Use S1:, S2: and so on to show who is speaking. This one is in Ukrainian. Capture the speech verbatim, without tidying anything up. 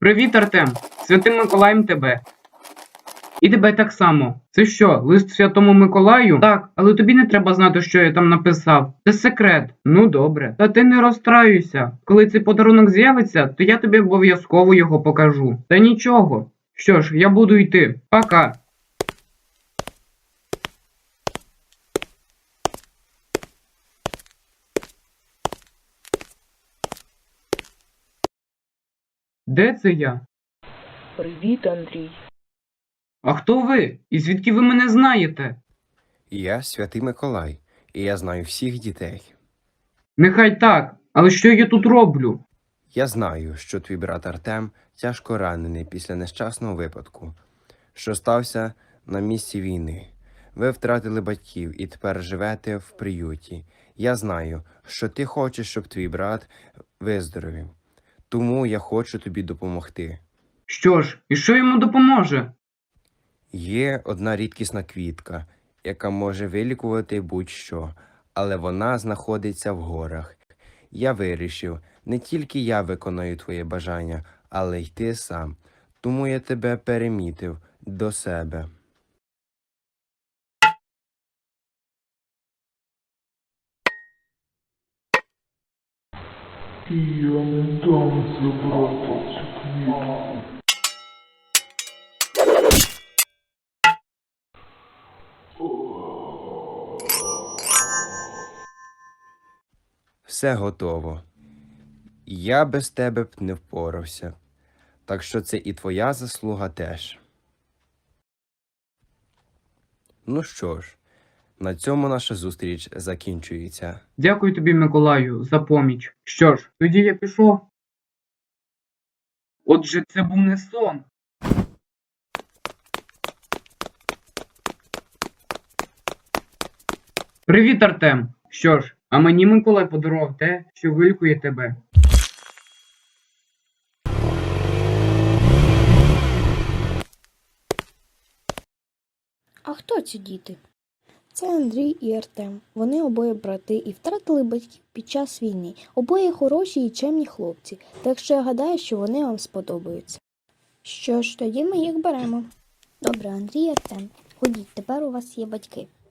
S1: Привіт, Артем! Святим Миколаєм тебе. І тебе так само. Це що, лист Святому Миколаю? Так, але тобі не треба знати, що я там написав. Це секрет. Ну добре. Та ти не розстраюйся. Коли цей подарунок з'явиться, то я тобі обов'язково його покажу. Та нічого. Що ж, я буду йти. Пока. Де це я?
S2: Привіт, Андрій.
S1: А хто ви? І звідки ви мене знаєте?
S3: Я Святий Миколай, і я знаю всіх дітей.
S1: Нехай так, але що я тут роблю?
S3: Я знаю, що твій брат Артем тяжко ранений після нещасного випадку, що стався на місці війни. Ви втратили батьків і тепер живете в приюті. Я знаю, що ти хочеш, щоб твій брат виздоровів. Тому я хочу тобі допомогти.
S1: Що ж, і що йому допоможе?
S3: Є одна рідкісна квітка, яка може вилікувати будь-що, але вона знаходиться в горах. Я вирішив, не тільки я виконую твоє бажання, але й ти сам. Тому я тебе перемітив до себе.
S4: Я не дам забрати цю квітку.
S3: Все готово. Я без тебе б не впорався. Так що це і твоя заслуга теж. Ну що ж, на цьому наша зустріч закінчується.
S1: Дякую тобі, Миколаю, за поміч. Що ж, тоді я пішов. Отже, це був не сон. Привіт, Артем! Що ж, а мені Миколай подарував те, що вилікує тебе.
S5: А хто ці діти? Це Андрій і Артем. Вони обоє брати і втратили батьків під час війни. Обоє хороші і чемні хлопці, так що я гадаю, що вони вам сподобаються. Що ж, тоді ми їх беремо. Добре, Андрій і Артем, ходіть, тепер у вас є батьки.